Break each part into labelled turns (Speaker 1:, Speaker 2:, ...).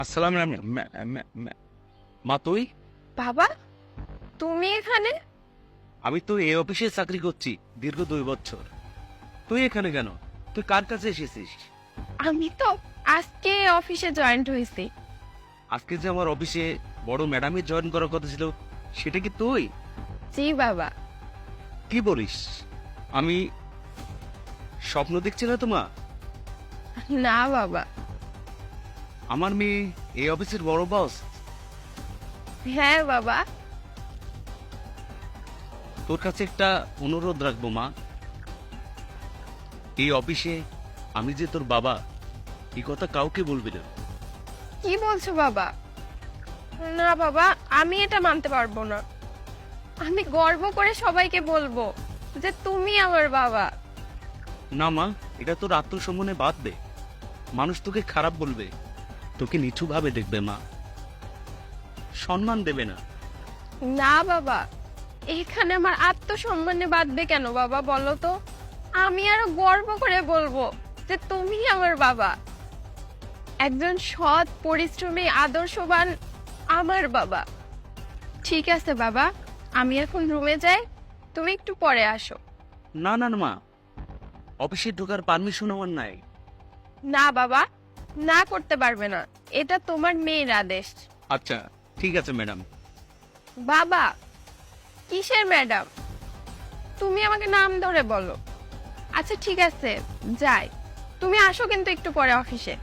Speaker 1: আসসালাম মা, তুই?
Speaker 2: বাবা, তুমি এখানে?
Speaker 1: আমি তো এই অফিসে চাকরি করছি দীর্ঘ 2 বছর। তুই এখানে কেন? তুই কার কাছে এসেছিস?
Speaker 2: আমি তো আজকে অফিসে জয়েন্ট হয়েছি।
Speaker 1: আজকে যে আমার অফিসে বড় ম্যাডামই জয়েন করার কথা ছিল, সেটা কি তুই?
Speaker 2: জি বাবা।
Speaker 1: কি বলিস? আমি স্বপ্ন দেখছি না তো মা?
Speaker 2: না বাবা।
Speaker 1: আমার মেয়ে এই অফিসের বড় বস।
Speaker 2: হ্যাঁ বাবা।
Speaker 1: তোর কাছে একটা অনুরোধ রাখবো মা। এই অফিসে আমি যে তোর বাবা, এই কথা কাউকে বলবি না।
Speaker 2: কি বলছো বাবা? না বাবা, আমি এটা মানতে পারবো না। আমি গর্ব করে সবাইকে বলবো যে তুমি আমার বাবা।
Speaker 1: না মা, এটা তোর আত্মসম্মানে বাদ দে। মানুষ তোকে খারাপ বলবে, তোকে নিচু ভাবে দেখবে মা, সম্মান দেবে না।
Speaker 2: না বাবা, এখানে আমার আত্মসম্মানে বাঁধবে কেন বাবা, বলো তো? আমি আরো গর্ব করে বলবো যে তুমি আমার বাবা। একজন সৎ, পরিশ্রমী, আদর্শবান আমার বাবা। ঠিক আছে বাবা, আমি এখন রুমে যাই, তুমি একটু পরে আসো।
Speaker 1: না না না মা, অফিসে ঢোকার পারমিশন আমার নাই।
Speaker 2: না বাবা, না করতে পারবে না, এটা তোমার মেয়ের আদেশ।
Speaker 1: আচ্ছা ঠিক আছে ম্যাডাম।
Speaker 2: বাবা, কিসের ম্যাডাম? তুমি আমাকে নাম ধরে বলো। আচ্ছা ঠিক আছে, যাই। তুমি আসো কিন্তু একটু পরে অফিসে।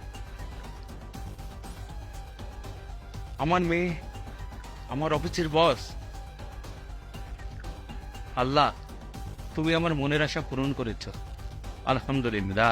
Speaker 1: আমার মেয়ে আমার অফিসের বস। আল্লাহ, তুমি আমার মনের আশা পূরণ করেছ, আলহামদুলিল্লাহ।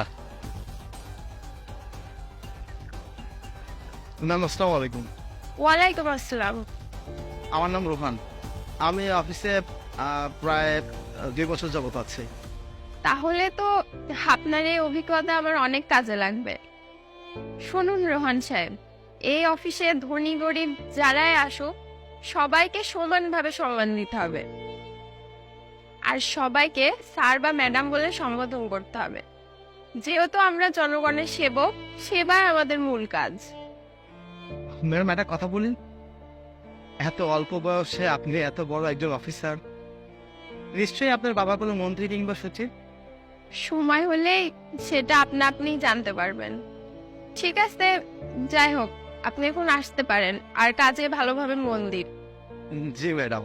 Speaker 3: ম্যাম আসসালামু আলাইকুম।
Speaker 2: ওয়ালাইকুম আসসালাম।
Speaker 3: আমার নাম রোহান। আমি অফিসে প্রায় 2 বছর যাবত আছি।
Speaker 2: তাহলে তো আপনার এই অভিজ্ঞতা আমার অনেক কাজে লাগবে। শুনুন রোহান সাহেব, এই অফিসে ধনী গরিব যারাই আসুক, সবাইকে সমানভাবে সম্মান দিতে হবে। আর সবাইকে স্যার বা ম্যাডাম বলে সম্বোধন করতে হবে। যেহেতু আমরা জনগণের সেবক, সেবাই আমাদের মূল কাজ।
Speaker 3: ম্যাডাম একটা কথা বলি, এত অল্প বয়সে আপনি এত বড় একজন অফিসার, নিশ্চয়ই আপনার বাবা কোনো মন্ত্রী কিংবা সচিব।
Speaker 2: সময় হলেই সেটা আপনা আপনি জানতে পারবেন। ঠিক আছে, যাই হোক, আপনি এখন আসতে পারেন, আর কাজে ভালোভাবে মন দিন।
Speaker 3: জি ম্যাডাম।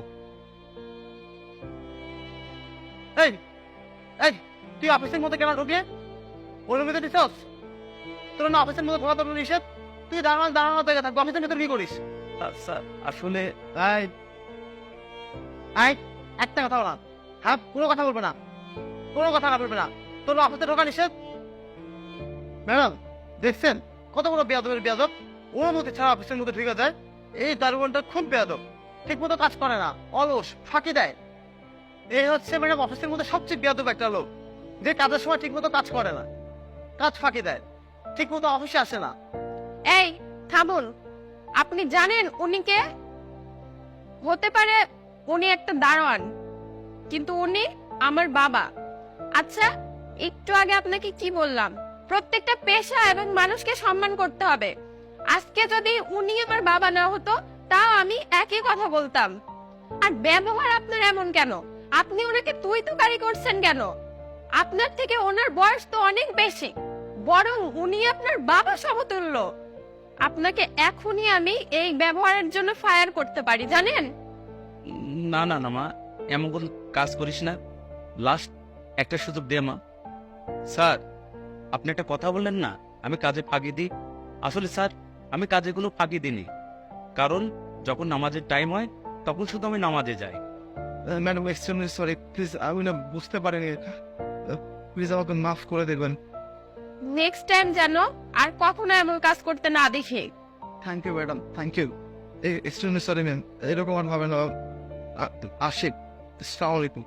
Speaker 3: এই এই তুই অফিসের মধ্যে কেন ঢুকে ওর মধ্যে দিছস? তোর না অফিসের মধ্যে ঘোরা তোর নিষেধ। তুই দাঁড়ানো দাঁড়ানো থেকে থাকবো, অফিসের ভিতরে কি করিস?
Speaker 1: স্যার আসলে
Speaker 3: এই এই একটা কথা বলা, হ্যাঁ কোনো কথা বলবে না, কোনো কথা বলবে না। তোর অফিসে ঢোকা নিষেধ। ম্যাডাম দেখছেন কত বড় বেয়াদবের বেয়াদব, ওর মধ্যে ছাড়া অফিসের মধ্যে ঢুকে যায়। এই দারোয়ানটা খুব বেয়াদব, ঠিক মতো কাজ করে না, অলস, ফাঁকি দেয়। এই হচ্ছে ম্যাডাম অফিসের মধ্যে সবচেয়ে বেয়াদব একটা লোক, যে কাজের সময় ঠিক মতো কাজ করে না, কাজ ফাঁকি দেয়, ঠিক মতো অফিসে আসে না।
Speaker 2: এই থামুন, আপনি জানেন উনি কে? হতে পারে উনি একটা দারোয়ান, কিন্তু উনি আমার বাবা। আচ্ছা, একটু আগে আপনাকে কি বললাম? প্রত্যেকটা পেশা এবং মানুষকে সম্মান করতে হবে। আজকে যদি উনি আমার বাবা না হতো, তাও আমি একই কথা বলতাম। আর ব্যবহার আপনার এমন কেন? আপনি ওনাকে তুই তুকারি করছেন কেন? আপনার থেকে ওনার বয়স তো অনেক বেশি, বরং উনি আপনার বাবা সমতুল্য। আপনাকে এখনই আমি এই ব্যবহারের জন্য ফায়ার করতে পারি, জানেন?
Speaker 1: না না না মা, এমন কোন কাজ করিস না। লাস্ট একটা সুযোগ দে মা। স্যার, আপনি একটা কথা বললেন না আমি কাজে ফাঁকি দিই। আসলে স্যার, আমি কাজে কোনো ফাঁকি দিইনি, কারণ যখন নামাজের টাইম হয় তখন শুধু আমি নামাজে যাই।
Speaker 3: ম্যাডাম এক্সট্রিমলি সরি, প্লিজ আমি না বুঝতে পারিনি, প্লিজ আমাকে মাফ করে দেবেন।
Speaker 2: নেক্সট টাইম যেন আর কখনো এমন কাজ করতে না দেখি।
Speaker 3: Thank you madam, thank you. Extremely sorry ma'am, এরকম আর ভাবে না। আশিক, আসসালামু আলাইকুম।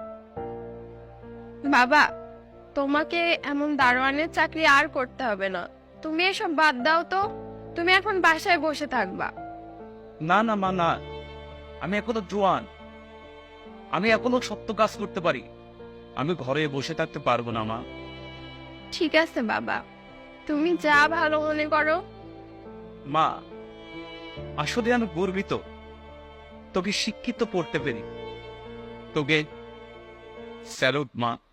Speaker 2: বাবা, তোমাকে এমন দারোয়ানের চাকরি আর করতে হবে না। তুমি এসব বাদ দাও তো, তুমি এখন বাসায় বসে থাকবা।
Speaker 1: না না মা, না, আমি এখনো জোয়ান, আমি এখনো সত্য কাজ করতে পারি। আমি ঘরে বসে থাকতে পারবো না মা।
Speaker 2: ঠিক আছে বাবা, তুমি যা ভালো মনে করো।
Speaker 1: মা, আসলে আমি গর্বিত তোকে শিক্ষিত পড়তে পেরে। তোকে স্যালুট মা।